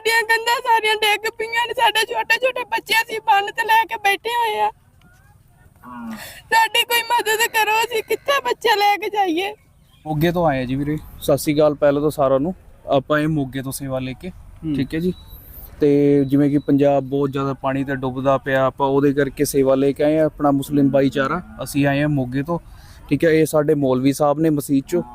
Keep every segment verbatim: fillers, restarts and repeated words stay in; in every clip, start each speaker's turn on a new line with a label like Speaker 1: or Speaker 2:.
Speaker 1: ਸਾਡੀਆਂ ਕੰਧਾਂ ਸਾਰੀਆਂ ਡਿੱਗ ਪਈਆਂ ਨੇ। ਸਾਡੇ ਛੋਟੇ ਛੋਟੇ ਬੱਚੇ ਅਸੀਂ ਬੰਨ ਤੇ ਲੈ ਕੇ ਬੈਠੇ ਹੋਏ ਆ। ਸਾਡੀ ਕੋਈ ਮਦਦ ਕਰੋ, ਅਸੀਂ ਕਿੱਥੇ ਬੱਚੇ ਲੈ ਕੇ ਜਾਈਏ।
Speaker 2: ਮੋਗੇ ਤੋਂ ਆਏ ਆ ਜੀ ਵੀਰੇ। ਸਤਿ ਸ਼੍ਰੀ ਅਕਾਲ ਪਹਿਲਾਂ ਤਾਂ ਸਾਰਿਆਂ ਨੂੰ। ਆਪਾਂ ਇਹ ਮੋਗੇ ਤੋਂ ਸੇਵਾ ਲੈ ਕੇ, ਠੀਕ ਹੈ ਜੀ। ਤੇ ਜਿਵੇਂ ਕਿ ਪੰਜਾਬ ਬਹੁਤ ਜ਼ਿਆਦਾ ਪਾਣੀ ਤੇ ਡੁੱਬਦਾ ਪਿਆ, ਆਪਾਂ ਉਹਦੇ ਕਰਕੇ ਸੇਵਾ ਲੈ ਕੇ ਆਏ ਆ। ਆਪਣਾ ਮੁਸਲਿਮ ਭਾਈਚਾਰਾ ਅਸੀਂ ਆਏ ਆ ਮੋਗੇ ਤੋਂ, ਠੀਕ ਹੈ। ਇਹ ਸਾਡੇ ਮੌਲਵੀ ਸਾਹਿਬ ਨੇ ਮਸਜਿਦ ਚੋਂ।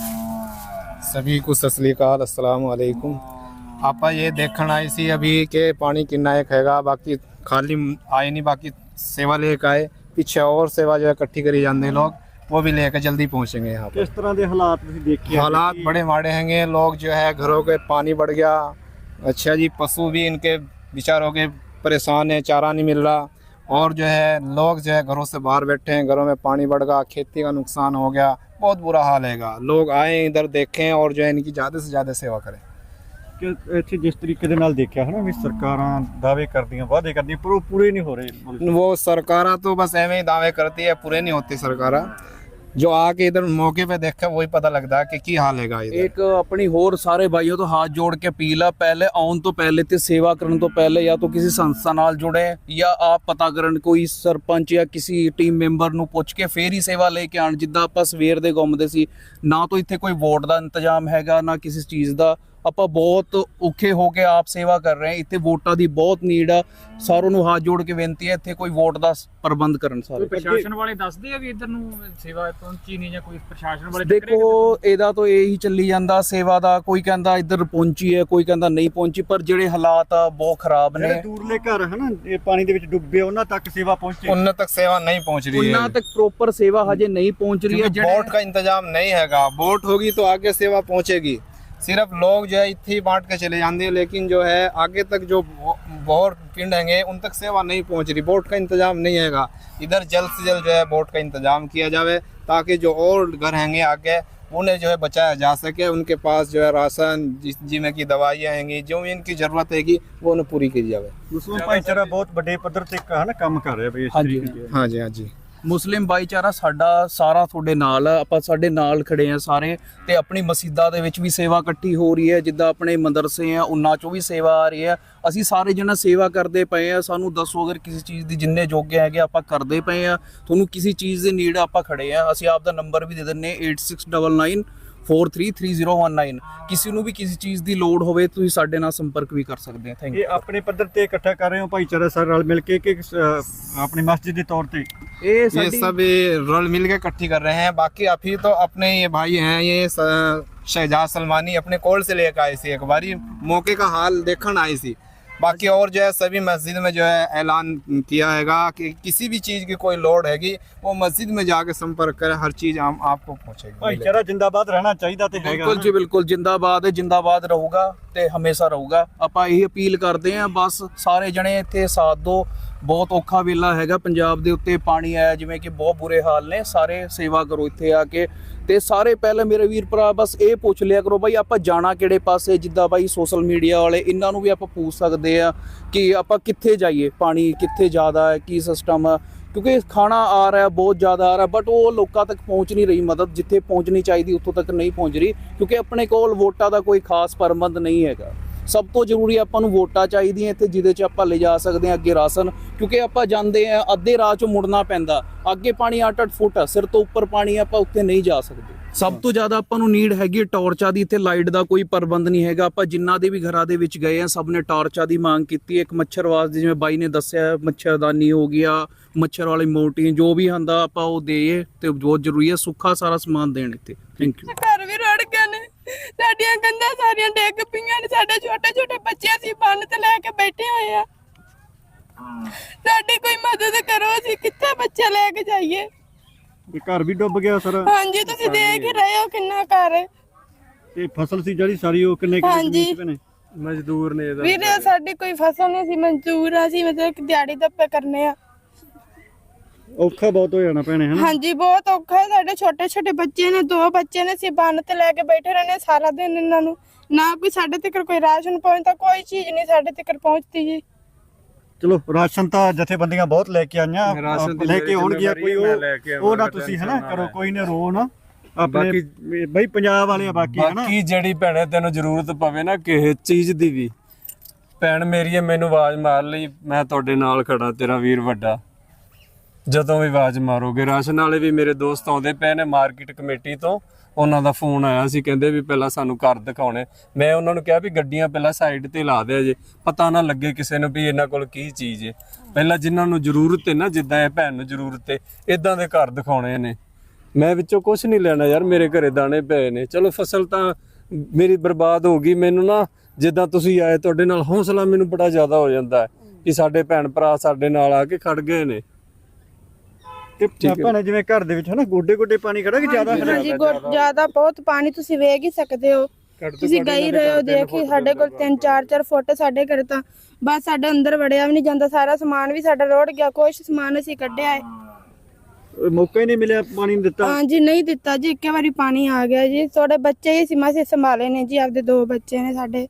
Speaker 3: सभी को सत श्री अकाल, अस्सलाम वालेकुम। ਆਪਾਂ ਇਹ ਦੇਖਣ ਆਏ ਸੀ अभी के पानी कितना एक हैगा, बाकी खाली आए नहीं, बाकी सेवा लेके आए। पीछे और सेवा जो है इकट्ठी करी जाते लोग, वो भी लेकर जल्दी पहुंचेंगे यहाँ पर।
Speaker 4: किस तरह के हालात तुसीं देखे?
Speaker 3: हालात बड़े माड़े हैंगे। लोग जो है घरों के पानी बढ़ गया। अच्छा जी, पशु भी इनके बेचारों के परेशान है, चारा नहीं मिल रहा। और जो है लोग जो है घरों से बाहर बैठे हैं, घरों में पानी बढ़ गया, खेती का नुकसान हो गया, बहुत बुरा हाल हैगा। लोग आए इधर देखें और जो है इनकी ज़्यादा से ज़्यादा सेवा करें।
Speaker 4: ਕਿ ਇੱਥੇ ਜਿਸ ਤਰੀਕੇ ਦੇ ਨਾਲ ਦੇਖਿਆ ਹੈ ਨਾ ਵੀ ਸਰਕਾਰਾਂ ਦਾਅਵੇ ਕਰਦੀਆਂ, ਵਾਅਦੇ ਕਰਦੀਆਂ, ਪਰ ਉਹ ਪੂਰੇ ਨਹੀਂ ਹੋ ਰਹੇ।
Speaker 3: वो सरकारा तो बस एवं ही दावे करती है, पूरे नहीं होती सरकारा। जो आके इधर मौके पे देखा वही पता लगता है कि की हाल हैगा इधर।
Speaker 2: ਇੱਕ ਆਪਣੀ ਹੋਰ ਸਾਰੇ ਭਾਈਓ ਤੋਂ ਹੱਥ ਜੋੜ ਕੇ ਅਪੀਲ ਆ, ਪਹਿਲੇ ਆਉਣ ਤੋਂ ਪਹਿਲੇ ਤੇ ਸੇਵਾ ਕਰਨ ਤੋਂ ਪਹਿਲੇ ਜਾਂ ਤਾਂ ਕਿਸੇ ਸੰਸਥਾ ਨਾਲ ਜੁੜੇ ਜਾਂ ਆਪ ਪਤਾ ਕਰਨ, ਕੋਈ ਸਰਪੰਚ ਜਾਂ ਕਿਸੇ ਟੀਮ ਮੈਂਬਰ ਨੂੰ ਪੁੱਛ ਕੇ ਫੇਰ ਹੀ ਸੇਵਾ ਲੈ ਕੇ ਆਣ। ਜਿੱਦਾਂ ਆਪਾਂ ਸਵੇਰ ਦੇ ਘੁੰਮਦੇ ਸੀ, ਨਾ ਤਾਂ ਇੱਥੇ ਕੋਈ ਵੋਟ ਦਾ ਇੰਤਜ਼ਾਮ ਹੈਗਾ, ਨਾ ਕਿਸੇ ਚੀਜ਼ ਦਾ। ਆਪਾਂ ਬਹੁਤ ਔਖੇ ਹੋ ਕੇ ਆਪ ਸੇਵਾ ਕਰ ਰਹੇ ਹਾਂ। ਇੱਥੇ ਵੋਟਾਂ ਦੀ ਬਹੁਤ ਨੀਡ ਆ। ਸਾਰਿਆਂ ਨੂੰ ਹੱਥ ਜੋੜ ਕੇ ਬੇਨਤੀ ਹੈ, ਇੱਥੇ ਕੋਈ ਵੋਟ ਦਾ ਪ੍ਰਬੰਧ ਕਰਨ ਸਾਰੇ।
Speaker 5: ਪ੍ਰਸ਼ਾਸਨ ਵਾਲੇ ਦੱਸਦੇ ਆ ਵੀ ਇੱਧਰ ਨੂੰ ਸੇਵਾ ਪਹੁੰਚੀ ਨਹੀਂ ਜਾਂ ਕੋਈ ਪ੍ਰਸ਼ਾਸਨ ਵਾਲੇ
Speaker 2: ਦੇਖੋ ਇਹਦਾ ਤਾਂ ਇਹੀ ਚੱਲੀ ਜਾਂਦਾ ਸੇਵਾ ਦਾ। ਕੋਈ ਕਹਿੰਦਾ ਇੱਧਰ ਪਹੁੰਚੀ ਹੈ, ਕੋਈ ਕਹਿੰਦਾ ਨਹੀਂ ਪਹੁੰਚੀ, ਪਰ ਜਿਹੜੇ ਹਾਲਾਤ ਆ ਬਹੁਤ ਖਰਾਬ ਨੇ।
Speaker 4: ਜਿਹੜੇ ਦੂਰਲੇ ਘਰ ਹਨ ਇਹ ਪਾਣੀ ਦੇ ਵਿੱਚ ਡੁੱਬੇ, ਉਹਨਾਂ ਤੱਕ ਸੇਵਾ ਪਹੁੰਚੇ?
Speaker 3: उन तक सेवा नहीं पहुंच रही है।
Speaker 2: ਉਹਨਾਂ ਤੱਕ ਪ੍ਰੋਪਰ ਸੇਵਾ ਹਜੇ ਨਹੀਂ ਪਹੁੰਚ ਰਹੀ ਹੈ।
Speaker 3: क्योंकि बोट का इंतजाम नहीं हैगा। बोट होगी तो आगे सेवा पहुंचेगी। सिर्फ लोग जो है इतने ही बांट के चले जाते हैं, लेकिन जो है आगे तक जो बहुत पिंड हैंगे उन तक सेवा नहीं पहुंच रही। बोट का इंतजाम नहीं हैगा। इधर जल्द से जल्द जो है बोट का इंतजाम किया जाए, ताकि जो और घर हैंगे आगे उन्हें जो है बचाया जा सके। उनके पास जो है राशन, जिसमें की दवाइयाँ हैंगी, जो भी इनकी ज़रूरत हैगी वो उन्हें पूरी की जाए।
Speaker 4: ਮੁਸਲਿਮ ਭਾਈਚਾਰਾ ਬਹੁਤ ਵੱਡੇ ਪੱਧਰ ਤੇ ਹੈ ਨਾ ਕੰਮ ਕਰ ਰਿਹਾ ਬਈ ਇਸ
Speaker 2: ਹਾਂਜੀ।
Speaker 4: ਤਰੀਕੇ ਦੇ।
Speaker 3: हाँ जी, हाँ जी।
Speaker 2: ਮੁਸਲਿਮ ਭਾਈਚਾਰਾ ਸਾਡਾ ਸਾਰਾ ਤੁਹਾਡੇ ਨਾਲ ਆ। ਆਪਾਂ ਸਾਡੇ ਨਾਲ ਖੜੇ ਆ ਸਾਰੇ। ਤੇ ਆਪਣੀ ਮਸਜਿਦਾਂ ਦੇ ਵਿੱਚ ਵੀ ਸੇਵਾ ਇਕੱਠੀ ਹੋ ਰਹੀ ਹੈ। ਜਿੱਦਾਂ ਆਪਣੇ ਮਦਰਸੇ ਆ ਉਹਨਾਂ ਚੋਂ ਵੀ ਸੇਵਾ ਆ ਰਹੀ ਹੈ। ਅਸੀਂ ਸਾਰੇ ਜਣਾ ਸੇਵਾ ਕਰਦੇ ਪਏ ਆ। ਸਾਨੂੰ ਦੱਸੋ ਅਗਰ ਕਿਸੇ ਚੀਜ਼ ਦੀ ਜਿੰਨੇ ਜੋਗੇ ਹੈਗੇ ਆਪਾਂ ਕਰਦੇ ਪਏ ਆ। ਤੁਹਾਨੂੰ ਕਿਸੇ ਚੀਜ਼ ਦੀ ਨੀਡ ਆਪਾਂ ਖੜੇ ਆ। ਅਸੀਂ ਆਪ ਦਾ ਨੰਬਰ ਵੀ ਦੇ ਦਿੰਨੇ eight six nine nine four three three zero one nine। ਕਿਸੇ ਨੂੰ ਵੀ ਕਿਸੇ ਚੀਜ਼ ਦੀ ਲੋੜ ਹੋਵੇ ਤੁਸੀਂ ਸਾਡੇ ਨਾਲ ਸੰਪਰਕ ਵੀ ਕਰ ਸਕਦੇ ਆ। Thank you.
Speaker 4: ਇਹ ਆਪਣੇ ਪੱਧਰ ਤੇ ਇਕੱਠਾ ਕਰ ਰਹੇ ਹੋ ਭਾਈਚਾਰਾ ਸਾਰੇ ਨਾਲ ਮਿਲ ਕੇ ਕਿ ਅ, ਆਪਣੀ ਮਸਜਿਦ ਦੇ ਤੌਰ ਤੇ?
Speaker 2: ਇਹ
Speaker 3: ये
Speaker 2: ਸਾਡੀ
Speaker 3: सब रल मिल के इकट्ठी कर रहे हैं। बाकी अभी तो अपने ये भाई हैं, ये स- शहजाद सलमानी अपने कोल से लेकर आए थे। एक बारी मौके का हाल देखने आई थी। बाकी और जो है सभी मस्जिद में जो है ऐलान किया हैगा कि किसी भी चीज़ की कोई लोड हैगी वो मस्जिद में जाके संपर्क करें, हर चीज़ हम आपको पहुँचेगी।
Speaker 4: ਭਾਈਚਾਰਾ ਜਿੰਦਾਬਾਦ ਰਹਿਣਾ ਚਾਹੀਦਾ ਤੇ ਹੈਗਾ
Speaker 2: ਬਿਲਕੁਲ ਜੀ, ਬਿਲਕੁਲ ਜਿੰਦਾਬਾਦ ਹੈ। ਜਿੰਦਾਬਾਦ ਰਹੂਗਾ ਤੇ ਹਮੇਸ਼ਾ ਰਹੂਗਾ। ਆਪਾਂ ਇਹੀ ਅਪੀਲ ਕਰਦੇ ਆਂ, ਬਸ ਸਾਰੇ ਜਣੇ ਇੱਥੇ ਸਾਥ ਦਿਓ। ਬਹੁਤ ਔਖਾ ਵੇਲਾ ਹੈਗਾ ਪੰਜਾਬ ਦੇ ਉੱਤੇ। ਪਾਣੀ ਆਇਆ ਜਿਵੇਂ ਕਿ ਬਹੁਤ ਬੁਰੇ ਹਾਲ ਨੇ। ਸਾਰੇ ਸੇਵਾ ਕਰੋ ਇੱਥੇ ਆ ਕੇ। ਤੇ ਸਾਰੇ ਪਹਿਲੇ ਮੇਰੇ ਵੀਰ ਭਰਾ ਬਸ ਇਹ ਪੁੱਛ ਲਿਆ ਕਰੋ ਬਾਈ ਆਪਾਂ ਜਾਣਾ ਕਿਹੜੇ ਪਾਸੇ। ਜਿੱਦਾਂ ਬਾਈ ਸੋਸ਼ਲ ਮੀਡੀਆ ਵਾਲੇ ਇਹਨਾਂ ਨੂੰ ਵੀ ਆਪਾਂ ਪੁੱਛ ਸਕਦੇ ਆ ਕਿ ਆਪਾਂ ਕਿੱਥੇ ਜਾਈਏ, ਪਾਣੀ ਕਿੱਥੇ ਜ਼ਿਆਦਾ ਹੈ, ਕੀ ਸਿਸਟਮ ਆ। ਕਿਉਂਕਿ ਖਾਣਾ ਆ ਰਿਹਾ ਬਹੁਤ ਜ਼ਿਆਦਾ ਆ ਰਿਹਾ, ਬਟ ਉਹ ਲੋਕਾਂ ਤੱਕ ਪਹੁੰਚ ਨਹੀਂ ਰਹੀ ਮਦਦ। ਜਿੱਥੇ ਪਹੁੰਚਣੀ ਚਾਹੀਦੀ ਉੱਥੋਂ ਤੱਕ ਨਹੀਂ ਪਹੁੰਚ ਰਹੀ, ਕਿਉਂਕਿ ਆਪਣੇ ਕੋਲ ਵੋਟਾਂ ਦਾ ਕੋਈ ਖਾਸ ਪ੍ਰਬੰਧ ਨਹੀਂ ਹੈਗਾ। ਸਭ ਤੋਂ ਜ਼ਰੂਰੀ ਆਪਾਂ ਨੂੰ ਵੋਟਾਂ ਚਾਹੀਦੀਆਂ ਇੱਥੇ, ਜਿਹਦੇ 'ਚ ਆਪਾਂ ਲਿਜਾ ਸਕਦੇ ਹਾਂ ਅੱਗੇ ਰਾਸ਼ਨ। ਕਿਉਂਕਿ ਆਪਾਂ ਜਾਂਦੇ ਆ ਅੱਧੇ ਰਾਹ 'ਚੋਂ ਮੁੜਨਾ ਪੈਂਦਾ। ਅੱਗੇ ਪਾਣੀ ਅੱਠ ਅੱਠ ਫੁੱਟ ਸਿਰ ਤੋਂ ਉੱਪਰ ਪਾਣੀ, ਆਪਾਂ ਉੱਥੇ ਨਹੀਂ ਜਾ ਸਕਦੇ। ਸਭ ਤੋਂ ਜ਼ਿਆਦਾ ਆਪਾਂ ਨੂੰ ਨੀਡ ਹੈਗੀ ਟਾਰਚਾਂ ਦੀ। ਇੱਥੇ ਲਾਈਟ ਦਾ ਕੋਈ ਪ੍ਰਬੰਧ ਨਹੀਂ ਹੈਗਾ। ਆਪਾਂ ਜਿੰਨਾ ਦੇ ਵੀ ਘਰਾਂ ਦੇ ਵਿੱਚ ਗਏ ਆ ਸਭ ਨੇ ਟਾਰਚਾਂ ਦੀ ਮੰਗ ਕੀਤੀ। ਇੱਕ ਮੱਛਰਵਾਸ ਦੀ, ਜਿਵੇਂ ਬਾਈ ਨੇ ਦੱਸਿਆ, ਮੱਛਰਦਾਨੀ ਹੋ ਗਿਆ, ਮੱਛਰ ਵਾਲੀ ਮੋਟੀ, ਜੋ ਵੀ ਹੁੰਦਾ ਆਪਾਂ ਉਹ ਦੇਈਏ। ਤੇ ਬਹੁਤ ਜ਼ਰੂਰੀ ਹੈ ਸੁੱਖਾ ਸਾਰਾ ਸਮਾਨ ਦੇਣ ਇੱਥੇ। Thank you.
Speaker 1: ਘਰ ਵੀ ਰੜ ਗਏ ਨੇ, ਸਾਡੀਆਂ ਕੰਧਾਂ ਸਾਰੀਆਂ ਡਿੱਗ ਪਈਆਂ ਨੇ। ਸਾਡੇ ਛੋਟੇ ਛੋਟੇ ਬੱਚੇ ਅਸੀਂ ਬੰਨ ਤੇ ਲੈ ਕੇ ਬੈਠੇ ਹੋਏ ਆ। ਸਾਡੀ ਕੋਈ ਮਦਦ ਕਰੋ, ਅਸੀਂ ਕਿੱਥੇ ਬੱਚੇ ਲੈ ਕੇ ਜਾਈਏ।
Speaker 4: ਵੀ ਘਰ ਵੀ ਡੁੱਬ ਗਿਆ ਸਰ?
Speaker 1: ਹਾਂਜੀ, ਤੁਸੀਂ ਦੇਖ ਹੀ ਰਹੇ ਹੋ ਕਿੰਨਾ ਘਰ ਹੈ।
Speaker 4: ਤੇ ਫਸਲ ਸੀ ਜਿਹੜੀ ਸਾਰੀ ਉਹ ਕਿੰਨੇ ਕਿੰਨੇ
Speaker 1: ਹਾਂਜੀ।
Speaker 4: ਜ਼ਮੀਨ 'ਚ ਨੇ?
Speaker 5: ਮਜ਼ਦੂਰ ਨੇ ਇਹਦਾ
Speaker 1: ਵੀਰੇ ਸਾਡੀ ਕੋਈ ਫਸਲ ਨਹੀਂ ਸੀ, ਮਨਜ਼ੂਰ ਆ ਸੀ, ਮਤਲਬ ਕਿ ਦਿਹਾੜੀ ਦੱਪੇ ਕਰਨੇ ਆ।
Speaker 4: ਔਖਾ ਬਹੁਤ ਹੋ ਜਾਣਾ ਭੈਣੇ ਹਨਾ?
Speaker 1: ਹਾਂਜੀ ਬਹੁਤ ਔਖਾ ਹੈ। ਸਾਡੇ ਛੋਟੇ ਛੋਟੇ ਬੱਚੇ ਨੇ, ਦੋ ਬੱਚੇ ਨੇ, ਅਸੀਂ ਬੰਨ ਤੇ ਲੈ ਕੇ ਬੈਠੇ ਰਹਿੰਦੇ ਸਾਰਾ ਦਿਨ। ਇਹਨਾਂ ਨੂੰ ਨਾ ਕੋਈ ਸਾਡੇ ਤੱਕ ਕੋਈ ਰਾਸ਼ਨ ਪਹੁੰਚਦਾ, ਕੋਈ ਚੀਜ਼ ਨਹੀਂ ਸਾਡੇ ਤੱਕ ਪਹੁੰਚਦੀ ਜੀ।
Speaker 4: ਚਲੋ ਰਾਸ਼ਨ ਤਾਂ ਜਥੇਬੰਦੀਆਂ ਬਹੁਤ ਲੈ ਕੇ ਆਈਆਂ,
Speaker 5: ਰਾਸ਼ਨ ਦੀ
Speaker 4: ਲੈ ਕੇ ਆਉਣਗੀਆਂ। ਕੋਈ
Speaker 5: ਮੈਂ ਲੈ ਕੇ
Speaker 4: ਉਹ ਉਹ ਨਾ
Speaker 5: ਆਵਾਂਗਾ,
Speaker 4: ਤੁਸੀਂ ਹਨਾ
Speaker 5: ਟੈਨਸ਼ਨ
Speaker 4: ਕਰੋ,
Speaker 5: ਨਾ
Speaker 4: ਕੋਈ ਨਾ ਰੋ ਨਾ। ਆਪਣੇ ਬਈ ਪੰਜਾਬ ਵਾਲੇ ਆ ਬਾਕੀ ਹਨਾ।
Speaker 5: ਬਾਕੀ ਜਿਹੜੀ ਭੈਣੇ ਤੈਨੂੰ ਜ਼ਰੂਰਤ ਪਵੇ ਨਾ ਕਿਸੇ ਚੀਜ਼ ਦੀ ਵੀ,
Speaker 6: ਭੈਣ ਮੇਰੀ ਹੈ, ਮੈਨੂੰ ਆਵਾਜ਼ ਮਾਰ ਲਈ, ਮੈਂ ਤੁਹਾਡੇ ਨਾਲ ਖੜਾ, ਤੇਰਾ ਵੀਰ ਵੱਡਾ। ਜਦੋਂ ਵੀ ਆਵਾਜ਼ ਮਾਰੋਗੇ। ਰਾਸ਼ਨ ਵਾਲੇ ਵੀ ਮੇਰੇ ਦੋਸਤ ਆਉਂਦੇ ਪਏ ਨੇ ਮਾਰਕੀਟ ਕਮੇਟੀ ਤੋਂ, ਉਹਨਾਂ ਦਾ ਫੋਨ ਆਇਆ ਸੀ, ਕਹਿੰਦੇ ਵੀ ਪਹਿਲਾਂ ਸਾਨੂੰ ਘਰ ਦਿਖਾਉਣੇ। ਮੈਂ ਉਹਨਾਂ ਨੂੰ ਕਿਹਾ ਵੀ ਗੱਡੀਆਂ ਪਹਿਲਾਂ ਸਾਈਡ ਤੇ ਲਾ ਦਿਆ ਜੇ, ਪਤਾ ਨਾ ਲੱਗੇ ਕਿਸੇ ਨੂੰ ਵੀ ਇਹਨਾਂ ਕੋਲ ਕੀ ਚੀਜ਼ ਹੈ। ਪਹਿਲਾਂ ਜਿਨ੍ਹਾਂ ਨੂੰ ਜ਼ਰੂਰਤ ਹੈ ਨਾ, ਜਿੱਦਾਂ ਇਹ ਭੈਣ ਨੂੰ ਜ਼ਰੂਰਤ ਹੈ, ਇਦਾਂ ਦੇ ਘਰ ਦਿਖਾਉਣੇ ਨੇ। ਮੈਂ ਵਿੱਚੋਂ ਕੁਝ ਨਹੀਂ ਲੈਣਾ ਯਾਰ, ਮੇਰੇ ਘਰੇ ਦਾਣੇ ਪਏ ਨੇ। ਚਲੋ ਫਸਲ ਤਾਂ ਮੇਰੀ ਬਰਬਾਦ ਹੋ ਗਈ, ਮੈਨੂੰ ਨਾ ਜਿੱਦਾਂ ਤੁਸੀਂ ਆਏ ਤੁਹਾਡੇ ਨਾਲ ਹੌਸਲਾ ਮੈਨੂੰ ਬੜਾ ਜ਼ਿਆਦਾ ਹੋ ਜਾਂਦਾ ਹੈ ਕਿ ਸਾਡੇ ਭੈਣ ਭਰਾ ਸਾਡੇ ਨਾਲ ਆ ਕੇ ਖੜ ਗਏ ਨੇ।
Speaker 4: ਤੇ ਭੈਣੇ ਜਿਵੇਂ ਘਰ ਦੇ ਵਿੱਚ ਹਨਾ ਗੋਡੇ ਗੋਡੇ ਪਾਣੀ ਖੜਾ ਕਿ ਜ਼ਿਆਦਾ
Speaker 1: ਹਾਂਜੀ ਗੋ- ਜ਼ਿਆਦਾ ਬਹੁਤ ਪਾਣੀ, ਤੁਸੀਂ ਵੇਖ ਹੀ ਸਕਦੇ ਹੋ, ਤੁਸੀਂ ਗਈ ਰਹੇ ਹੋ, ਦੇਖੀ ਸਾਡੇ ਕੋਲ ਤਿੰਨ ਚਾਰ ਚਾਰ ਫੁੱਟ ਸਾਡੇ ਘਰ ਤਾਂ ਬਸ ਸਾਡੇ ਅੰਦਰ ਵੜਿਆ ਵੀ ਨਹੀਂ ਜਾਂਦਾ, ਸਾਰਾ ਸਮਾਨ ਵੀ ਸਾਡਾ ਰੋੜ ਗਿਆ, ਕੁਛ ਸਮਾਨ ਅਸੀਂ ਕੱਢਿਆ ਹੈ।
Speaker 4: ਮੌਕਾ ਹੀ ਨਹੀਂ ਮਿਲਿਆ, ਪਾਣੀ ਨਹੀਂ ਦਿੱਤਾ।
Speaker 1: ਹਾਂਜੀ ਨਹੀਂ ਦਿੱਤਾ ਜੀ, ਇੱਕੇ ਵਾਰੀ ਪਾਣੀ ਆ ਗਿਆ ਜੀ। ਤੁਹਾਡੇ ਬੱਚੇ ਹੀ ਸੀ, ਮਾਸੇ ਸੰਭਾਲੇ ਨੇ ਜੀ, ਆਪਦੇ ਦੋ ਬੱਚੇ ਨੇ ਸਾਡੇ।